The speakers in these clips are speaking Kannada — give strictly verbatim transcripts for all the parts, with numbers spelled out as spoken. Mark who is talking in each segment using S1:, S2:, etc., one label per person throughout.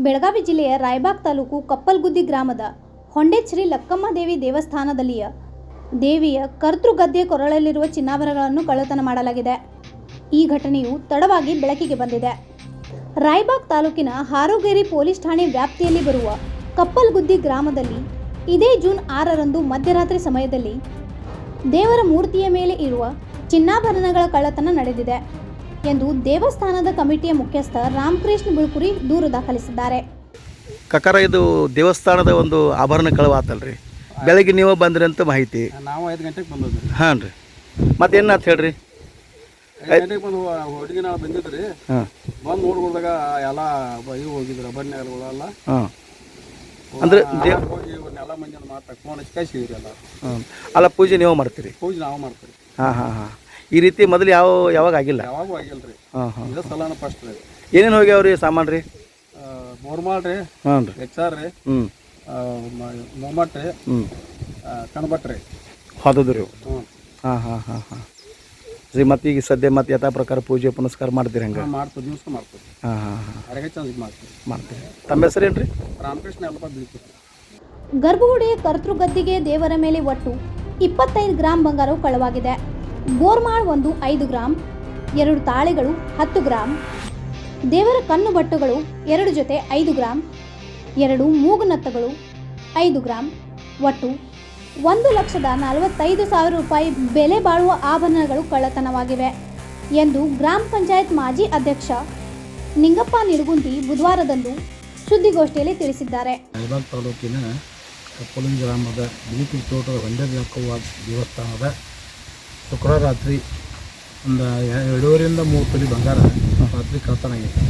S1: ಬೆಳಗಾವಿ ಜಿಲ್ಲೆಯ ರಾಯಬಾಗ್ ತಾಲೂಕು ಕಪ್ಪಲ್ಗುದ್ದಿ ಗ್ರಾಮದ ಹೊಂಡೆ ಶ್ರೀ ಲಕ್ಕಮ್ಮ ದೇವಿ ದೇವಸ್ಥಾನದಲ್ಲಿಯ ದೇವಿಯ ಕರ್ತೃಗದ್ದೆಯ ಕೊರಳಲ್ಲಿರುವ ಚಿನ್ನಾಭರಣಗಳನ್ನು ಕಳ್ಳತನ ಮಾಡಲಾಗಿದೆ. ಈ ಘಟನೆಯು ತಡವಾಗಿ ಬೆಳಕಿಗೆ ಬಂದಿದೆ. ರಾಯಬಾಗ್ ತಾಲೂಕಿನ ಹಾರೋಗೇರಿ ಪೊಲೀಸ್ ಠಾಣೆ ವ್ಯಾಪ್ತಿಯಲ್ಲಿ ಬರುವ ಕಪ್ಪಲ್ಗುದ್ದಿ ಗ್ರಾಮದಲ್ಲಿ ಇದೇ ಜೂನ್ ಆರರಂದು ಮಧ್ಯರಾತ್ರಿ ಸಮಯದಲ್ಲಿ ದೇವರ ಮೂರ್ತಿಯ ಮೇಲೆ ಇರುವ ಚಿನ್ನಾಭರಣಗಳ ಕಳ್ಳತನ ನಡೆದಿದೆ ಎಂದು ದೇವಸ್ಥಾನದ ಕಮಿಟಿಯ ಮುಖ್ಯಸ್ಥ ರಾಮಕೃಷ್ಣ ಬಿಳುಕುರಿ ದೂರು ದಾಖಲಿಸಿದ್ದಾರೆ.
S2: ಕಕರ ಇದು ದೇವಸ್ಥಾನದ ಒಂದು ಆಭರಣ ಕಳವಾತಲ್ರಿ, ಬೆಳಗ್ಗೆ ನೀವು ಬಂದ್ರಿ ಅಂತ ಮಾಹಿತಿ.
S3: ನಾವು ಐದು ಗಂಟೆಗೆ ಬಂದದ್ರಿ.
S2: ಹಾಂ ರೀ, ಮತ್ತೇನಂತ ಹೇಳ್ರಿ?
S3: ಐದು ಗಂಟೆಗೆ ಬಂದು ಹುಡುಗಿ ನಾವು ಬಂದಿದ್ರಿ.
S2: ಹಾಂ,
S3: ಬಂದು ನೋಡ್ಕೊಂಡಾಗ ಎಲ್ಲ ಇವು ಹೋಗಿದ್ರು ಬನ್ನೆಲ್ಲ.
S2: ಹಾಂ, ಅಂದ್ರೆ
S3: ಎಲ್ಲ ಮಂದಿ ಮಾತಾಡಿ ಫೋನ್ ಹಚ್ಚಿ ಕಳಿಸಿದ್ರಿ ಎಲ್ಲ.
S2: ಹಾಂ, ಅಲ್ಲ ಪೂಜೆ ನೀವು ಮಾಡ್ತೀರಿ?
S3: ಪೂಜೆ ನಾವು ಮಾಡ್ತೀರಿ.
S2: ಹಾಂ ಹಾಂ ಹಾಂ ಈ ರೀತಿ ಮೊದಲು ಯಾವ ಯಾವಾಗ ಆಗಿಲ್ಲ?
S3: ಯಾವಾಗೂ ಆಗಿಲ್ಲ ರೀ.
S2: ಹಾಂ ಹಾಂ
S3: ಇದೇ ಸಲನ ಫಸ್ಟ್ ರೀ.
S2: ಏನೇನು ಹೋಗ್ಯಾವ ರೀ ಸಾಮಾನು ರೀ?
S3: ಬೋರ್ಮಾಲ್ ರೀ,
S2: ಹಾಂ ರೀ,
S3: ಎಚ್ ಆರ್ ರೀ,
S2: ಹ್ಞೂ
S3: ಮೊಮ್ಮಟ್ ರೀ,
S2: ಹ್ಞೂ
S3: ಕಣಬಟ್ ರೀ,
S2: ಹೋದದು ರೀ.
S3: ಹ್ಞೂ
S2: ಹಾಂ ಹಾಂ ಹಾಂ ಹಾಂ ರೀ. ಮತ್ತು ಈಗ ಸದ್ಯ ಮತ್ತೆ ಯಥಾ ಪ್ರಕಾರ ಪೂಜೆ ಪುನಸ್ಕಾರ ಮಾಡ್ತೀರಿ ಹಂಗೆ?
S3: ಮಾಡ್ತೀವಿ, ದಿವಸ ಮಾಡ್ತೀವಿ.
S2: ಹಾಂ ಹಾಂ ಹಾಂ
S3: ಅರಗೆ ಚಂದ ಮಾಡ್ತೀವಿ
S2: ಮಾಡ್ತೀವಿ. ತಮ್ಮ ಹೆಸರು ಏನು ರೀ?
S3: ರಾಮಕೃಷ್ಣ ಅಲ್ಪ ಬೀಳ್ತೀವಿ.
S1: ಗರ್ಭಗುಡಿಯ ಕರ್ತೃಗದ್ದಿಗೆ ದೇವರ ಮೇಲೆ ಒಟ್ಟು ಇಪ್ಪತ್ತೈದು ಗ್ರಾಂ ಬಂಗಾರವು ಕಳ್ಳವಾಗಿದೆ. ಬೋರ್ಮಾಳ್ ಒಂದು ಐದು ಗ್ರಾಂ, ಎರಡು ತಾಳೆಗಳು ಹತ್ತು ಗ್ರಾಂ, ದೇವರ ಕಣ್ಣು ಬಟ್ಟುಗಳು ಎರಡು ಜೊತೆ ಐದು ಗ್ರಾಂ, ಎರಡು ಮೂಗುನತ್ತಗಳು ಐದು ಗ್ರಾಂ, ಒಟ್ಟು ಒಂದು ಲಕ್ಷದ ನಲವತ್ತೈದು ಸಾವಿರ ರೂಪಾಯಿ ಬೆಲೆ ಬಾಳುವ ಆಭರಣಗಳು ಕಳ್ಳತನವಾಗಿವೆ ಎಂದು ಗ್ರಾಮ ಪಂಚಾಯತ್ ಮಾಜಿ ಅಧ್ಯಕ್ಷ ನಿಂಗಪ್ಪ ನಿಡಗುಂದಿ ಬುಧವಾರದಂದು ಸುದ್ದಿಗೋಷ್ಠಿಯಲ್ಲಿ ತಿಳಿಸಿದ್ದಾರೆ.
S4: ರಾಯಬಾಗ್ ತಾಲೂಕಿನ ಕಪ್ಪಲುಂಗಿ ಗ್ರಾಮದ ಬಿಳಿಕುಡಿ ತೋಟದ ಹೊಂಡೆ ಲಕ್ಕವ್ವ ದೇವಸ್ಥಾನದ ಶುಕ್ರವಾರ ರಾತ್ರಿ ಒಂದು ಎರಡೂವರೆಯಿಂದ ಮೂರು ತೊಲಿ ಬಂಗಾರ ರಾತ್ರಿ ಕಳ್ಳತನ ಆಗೈತೆ.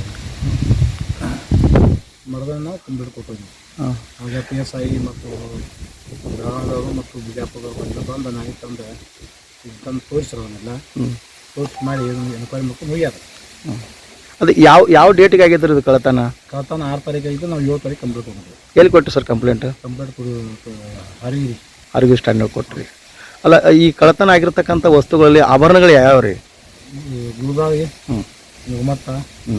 S4: ಮರದನ್ನು ನಾವು ಕಂಪ್ಲೀಟ್ ಕೊಟ್ಟಿದ್ವಿ. ಆಗ ಪಿ ಎಸ್ ಐ ಮತ್ತು ಬೆಳಗಾವಿದವರು ಮತ್ತು ಬಿಜಾಪುರದವರು ಬಂದು ಬಂದು ನಾಯಿ ತಂದು ಇದು ತಂದು ತೋರಿಸಿರೋದನ್ನೆಲ್ಲ ತೋರಿಸಿ ಮಾಡಿ ಎನ್ಕ್ವೈರಿ ಮಾಡ್ಕೊಂಡು ಹೋಗ್ಯಾರ.
S2: ಅದು ಯಾವ ಯಾವ ಡೇಟಿಗೆ ಆಗಿದ್ರಿ ಇದು ಕಳ್ಳತನ?
S4: ಕಳ್ಳತನ ಆರು ತಾರೀಕು ಆಗಿದ್ದು, ನಾವು ಏಳು ತಾರೀಕು ಕಂಪ್ಲೀಟ್ ಕೊಟ್ಟಿದ್ವಿ.
S2: ಎಲ್ಲಿ ಕೊಟ್ಟು ಸರ್ ಕಂಪ್ಲೇಂಟ್?
S4: ಕಂಪ್ಲೀಟ್ ಕೊಡು ಹರಿಗಿರಿ
S2: ಆರೋಗ್ಯ ಸ್ಟ್ಯಾಂಡ್ ಕೊಟ್ರಿ. ಅಲ್ಲ, ಈ ಕಳ್ಳತನ ಆಗಿರ್ತಕ್ಕಂಥ ವಸ್ತುಗಳಲ್ಲಿ ಆಭರಣಗಳು ಯಾವ್ಯಾವ ರೀ?
S4: ಗುಲ್ಬಾವಿ,
S2: ಹ್ಞೂ
S4: ಗುಮತ್ತ,
S2: ಹ್ಞೂ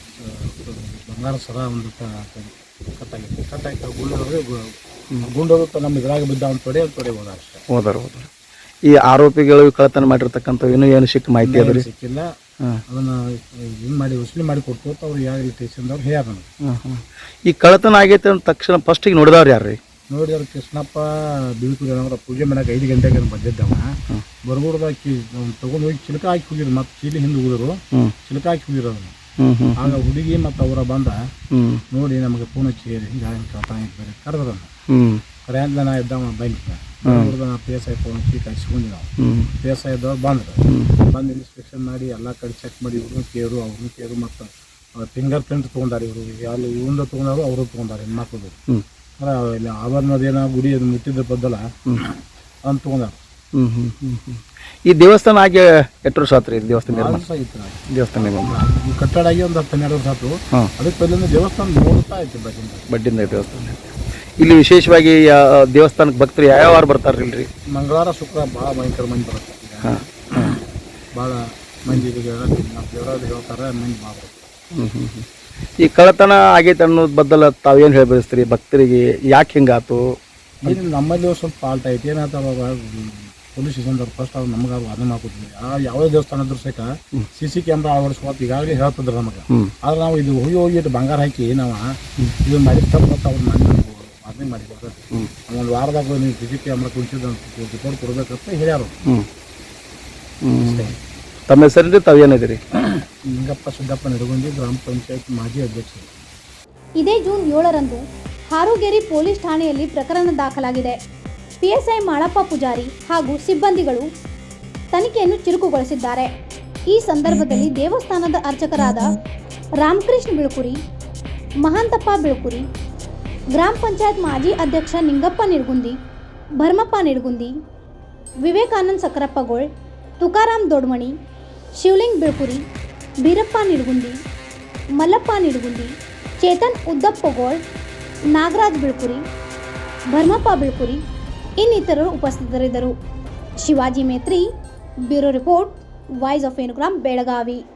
S4: ಬಂಗಾರ ಸರ ಒಂದು ಕಟ್ಟಾಗಿತ್ತು. ಕಟ್ಟಾಗಿ ಗುಂಡೋದ್ರೆ ಗುಂಡೋದು ನಮ್ಮ ಇದ್ರಾಗ ಬಿದ್ದ ಒಂದು ತೊಡೆ ತೊಡೆ ಹೋದ ಅಷ್ಟೇ.
S2: ಹೋದಾರ ಹೋದಾರ ಈ ಆರೋಪಿಗಳು ಕಳ್ಳತನ ಮಾಡಿರ್ತಕ್ಕಂಥ ಇನ್ನೂ ಏನು ಸಿಕ್ಕ ಮಾಹಿತಿ ಅದ ರೀ?
S4: ಸಿಕ್ಕಿಲ್ಲ.
S2: ಹಾಂ,
S4: ಅದನ್ನು ಇದು ಮಾಡಿ ವಸೂಲಿ ಮಾಡಿ ಕೊಡ್ತು ಅಂತ ಅವ್ರು ಯಾವ ಸ್ಟೇಷನ್ದವ್ರು ಹೇಳ್ಯಾರ ನನಗೆ.
S2: ಹಾಂ ಹಾಂ ಈ ಕಳ್ಳತನ ಆಗೈತೆ ಅಂದ ತಕ್ಷಣ ಫಸ್ಟಿಗೆ ನೋಡಿದವ್ರು ಯಾರು ರೀ?
S4: ನೋಡಿದ್ರೆ ಕೃಷ್ಣಪ್ಪ ಬಿಳುಕುರಿ ಅವ್ರ ಪೂಜೆ ಮಾಡಕ್ಕೆ ಐದು ಗಂಟೆಗೆ ಬಂದಿದ್ದವ. ಬರ್ಗುಡ್ದಾಕಿ ತೊಗೊಂಡು ಹೋಗಿ ಚಿಲಕ ಹಾಕಿ ಹೋಗಿದ್ರು. ಮತ್ತು ಚೀಲಿ ಹಿಂದೆ ಹೋಗಿದ್ರು, ಚಿಲಕ ಹಾಕಿ ಹೋಗಿರೋ ಅದನ್ನು. ಆಗ ಹುಡುಗಿ ಮತ್ತು ಅವರ ಬಂದ ನೋಡಿ ನಮಗೆ ಫೋನ್ ಹಚ್ಚಿ ಹಿಂಗೆ ಕಳ್ತಾನ ಬೇರೆ ಕರೆದ್ರನ್ನ ಕರೆ ಅಂತ ನಾ ಇದ್ದವ ಬ್ಯಾಂಕ್ನ ನೋಡಿದ ನಾ ಪಿ ಎಸ್ ಐ ಫೋನ್ ಹಚ್ಚಿ ಕಳಿಸ್ಕೊಂಡು ನಾವು ಪಿ ಎಸ್ ಐ ಇದ್ದವ್ರು ಬಂದ್ರು. ಬಂದು ಇನ್ಸ್ಪೆಕ್ಷನ್ ಮಾಡಿ ಎಲ್ಲ ಕಡೆ ಚೆಕ್ ಮಾಡಿ ಇವ್ರನ್ನ ಕೇರು ಅವ್ರನ್ನ ಕೇರು ಮತ್ತು ಫಿಂಗರ್ ಪ್ರಿಂಟ್ ತೊಗೊಂಡಾರೆ. ಇವರು ಅಲ್ಲಿ ಇವಂದ ತೊಗೊಂಡಾರು ಅವರು ತೊಗೊಂಡಾರೆ ಹೆಣ್ಮಕ್ಳದು. ಇಲ್ಲಿ ಆಭರಣದೇನ ಗುಡಿ ಅದು ಮುಟ್ಟಿದ ಬದ್ದಲ್ಲ ಅಂತ ತೊಗೊಂಡಾರ.
S2: ಹ್ಞೂ ಹ್ಞೂ ಹ್ಞೂ ಹ್ಞೂ ಈ ದೇವಸ್ಥಾನ ಆಗಿ ಎಷ್ಟು ವರ್ಷ ಆತ್ರಿ? ದೇವಸ್ಥಾನ ನಿರ್ಮಾಣ ದೇವಸ್ಥಾನ
S4: ಕಟ್ಟಡ ಆಗಿ ಒಂದು ಹತ್ತು ಹನ್ನೆರಡು ವರ್ಷ ಆಯ್ತು. ಅದಕ್ಕೆ ಪೈಲಿಂದ ದೇವಸ್ಥಾನ ನೋಡ್ತಾ ಐತಿ ಬಡ್ಡಿಂದ ಬಡ್ಡಿಂದ
S2: ದೇವಸ್ಥಾನ. ಇಲ್ಲಿ ವಿಶೇಷವಾಗಿ ದೇವಸ್ಥಾನಕ್ಕೆ ಭಕ್ತರು ಯಾವ ವಾರ ಬರ್ತಾರಿಲ್ರಿ?
S4: ಮಂಗಳವಾರ ಶುಕ್ರವಾರ ಭಾಳ ಭಯಂಕರ ಮಂದಿ ಬರುತ್ತೆ.
S2: ಹಾಂ,
S4: ಭಾಳ ಮಂದಿ ದೇವರಾದ ಹೇಳ್ತಾರೆ, ಮಂದಿ ಭಾಳ ಬರುತ್ತೆ.
S2: ಹ್ಞೂ ಹ್ಞೂ ಹ್ಞೂ ಈ ಕಳ್ಳತನ ಆಗೈತೆ ಅನ್ನೋದು ಬದ್ದಲ್ಲ ತಾವೇನು ಹೇಳಿ ಬಯಸ್ತೀರಿ ಭಕ್ತರಿಗೆ? ಯಾಕೆ ಹಿಂಗಾತು?
S4: ಇಲ್ಲಿ ನಮ್ಮಲ್ಲಿ ಸ್ವಲ್ಪ ಫಾಲ್ಟ್ ಐತಿ. ಏನಾಯ್ತು ಅವಾಗ ಪೊಲೀಸ್ ಸ್ಟೇಷನ್ದವ್ರು ಫಸ್ಟ್ ಅವ್ರು ನಮಗೆ ಅವ್ರು ಅದನ್ನ ಹಾಕೋದ್ವಿ. ಆ ಯಾವುದೇ ದೇವಸ್ಥಾನ ಇದ್ರು ಸಹಿತ ಸಿ ಸಿ ಕ್ಯಾಮ್ರಾ ಅಳವಡಿಸ್ಕೊತ ಈಗಾಗಲೇ ಹೇಳ್ತಿದ್ರು ನಮಗೆ. ಆದ್ರೆ ನಾವು ಇದು ಹೋಗಿ ಹೋಗಿ ಇಟ್ಟು ಬಂಗಾರ ಹಾಕಿ ನಾವು ಇದು ಮಾಡಿ ತಪ್ಪು ಮತ್ತು ಅವ್ರು ಮಾಡಿ ಅದನ್ನೇ ಮಾಡಿದ್ರು. ಒಂದು ವಾರದಾಗ ನೀವು ಸಿ ಸಿ ಕ್ಯಾಮ್ರಾ ಕುಡಿಸಿದ ರಿಪೋರ್ಟ್ ಕೊಡ್ಬೇಕಂತ ಹೇಳ್ಯಾರು.
S2: ತಮ್ಮ ಹೆಸರಲ್ಲಿ ತಾವು ಏನಿದ್ದೀರಿ?
S4: ನಿಂಗಪ್ಪ ಸಿದ್ದಪ್ಪ ನಿಡಗುಂದಿ, ಗ್ರಾಮ ಪಂಚಾಯತ್ ಮಾಜಿ ಅಧ್ಯಕ್ಷರು.
S1: ಇದೇ ಜೂನ್ ಏಳರಂದು ಹಾರೋಗೇರಿ ಪೊಲೀಸ್ ಠಾಣೆಯಲ್ಲಿ ಪ್ರಕರಣ ದಾಖಲಾಗಿದೆ. ಪಿಎಸ್ಐ ಮಾಳಪ್ಪ ಪೂಜಾರಿ ಹಾಗೂ ಸಿಬ್ಬಂದಿಗಳು ತನಿಖೆಯನ್ನು ಚುರುಕುಗೊಳಿಸಿದ್ದಾರೆ. ಈ ಸಂದರ್ಭದಲ್ಲಿ ದೇವಸ್ಥಾನದ ಅರ್ಚಕರಾದ ರಾಮಕೃಷ್ಣ ಬಿಳುಕುರಿ, ಮಹಾಂತಪ್ಪ ಬಿಳುಕುರಿ, ಗ್ರಾಮ ಪಂಚಾಯತ್ ಮಾಜಿ ಅಧ್ಯಕ್ಷ ನಿಂಗಪ್ಪ ನಿಡಗುಂದಿ, ಭರ್ಮಪ್ಪ ನಿಡಗುಂದಿ, ವಿವೇಕಾನಂದ ಸಕರಪ್ಪಗೋಳ್, ತುಕಾರಾಮ್ ದೊಡ್ಮಣಿ, ಶಿವಲಿಂಗ್ ಬಿಳುಕುರಿ, ಬೀರಪ್ಪ ನಿಡಗುಂದಿ, ಮಲ್ಲಪ್ಪ ನಿಡಗುಂದಿ, ಚೇತನ್ ಉದ್ದಪ್ಪಗೋಳ್, ನಾಗರಾಜ್ ಬಿಳುಕುರಿ, ಭರ್ಮಪ್ಪ ಬಿಳುಕುರಿ ಇನ್ನಿತರರು ಉಪಸ್ಥಿತರಿದ್ದರು. Shivaji Metri, bureau report, voice of ಏನುಗ್ರಾಮ್, ಬೆಳಗಾವಿ.